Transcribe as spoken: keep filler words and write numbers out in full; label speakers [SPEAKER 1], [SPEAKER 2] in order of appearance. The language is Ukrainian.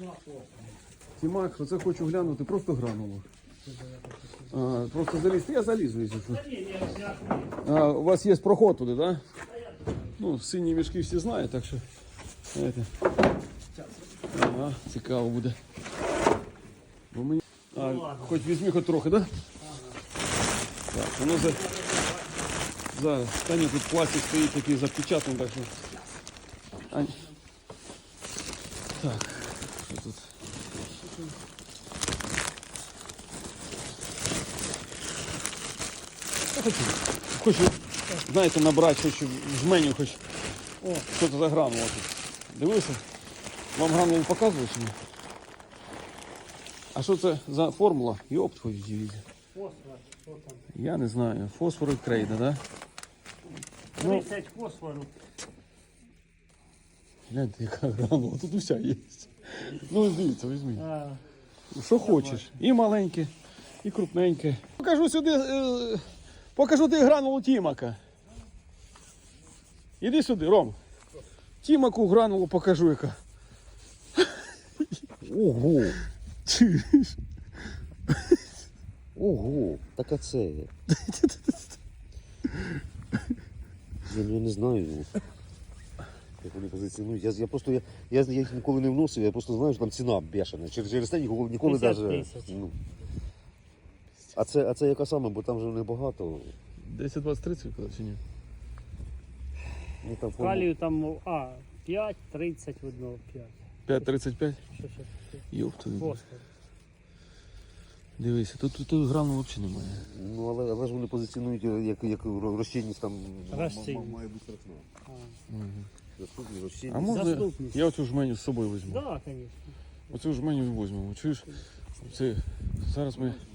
[SPEAKER 1] Ті макро, це хочу глянути, просто грануло. А, просто залізти, я залізу, якщо що. А, у вас є проход туди, так? Да? Ну, сині мішки всі знають, так що, знаєте. Ага, цікаво буде. Бо мені... А, хоч візьми хоч трохи, так? Да? Так, воно за... Зараз, та ні, тут пластик стоїть такий запечатаний, так що... А... Так, що тут? Я хочу, хочу, знаєте, набрати, хочу в жменю, хоч, о, що це за гранула тут. Дивився? Вам гранулу показували чи ні? А що це за формула? Йоп твою дивізію.
[SPEAKER 2] Фосфор, що там?
[SPEAKER 1] Я не знаю. Фосфор і крейда, да?
[SPEAKER 2] тридцять фосфору.
[SPEAKER 1] Гляньте, яка гранула, тут уся є. Ну, дивіться, візьми.
[SPEAKER 2] А,
[SPEAKER 1] Що хочеш. І маленьке, і крупненьке. Покажу сюди, е, покажу ти гранулу Тімака. Іди сюди, Ром. Тімаку гранулу покажу, яка.
[SPEAKER 3] Ого!
[SPEAKER 1] Чуєш?
[SPEAKER 3] Ого! Так а це. Я не, не знаю, як вони позиціонують. Я, я просто я, я, я їх ніколи не вносив, я просто знаю, що там ціна бешена. Через, через те ніколи, ніколи
[SPEAKER 2] п'ятдесят
[SPEAKER 3] навіть.
[SPEAKER 2] тисяч.
[SPEAKER 3] Ну. А це, а це яка саме, бо там вже небагато.
[SPEAKER 1] десять двадцять тридцять чи ні?
[SPEAKER 3] Ну, там,
[SPEAKER 2] калію там, а, п'ять тридцять в одного, п'ять.
[SPEAKER 1] п'ять тридцять п'ять?
[SPEAKER 2] Що ще?
[SPEAKER 1] Йоп твою.
[SPEAKER 2] Фосфор.
[SPEAKER 1] Дивися, тут, тут, тут грану взагалі немає.
[SPEAKER 3] Ну, але, але ж вони позиціонують як, як розчинність там
[SPEAKER 2] Розчинність.
[SPEAKER 3] м- м- має бути страшно.
[SPEAKER 1] Угу.
[SPEAKER 3] Доступні
[SPEAKER 1] А
[SPEAKER 3] розчинність.
[SPEAKER 1] можна
[SPEAKER 2] Доступність.
[SPEAKER 1] я оцю жменю з собою візьму?
[SPEAKER 2] Так, да, звісно.
[SPEAKER 1] Оцю жменю візьмемо. Чуєш? Це, зараз ми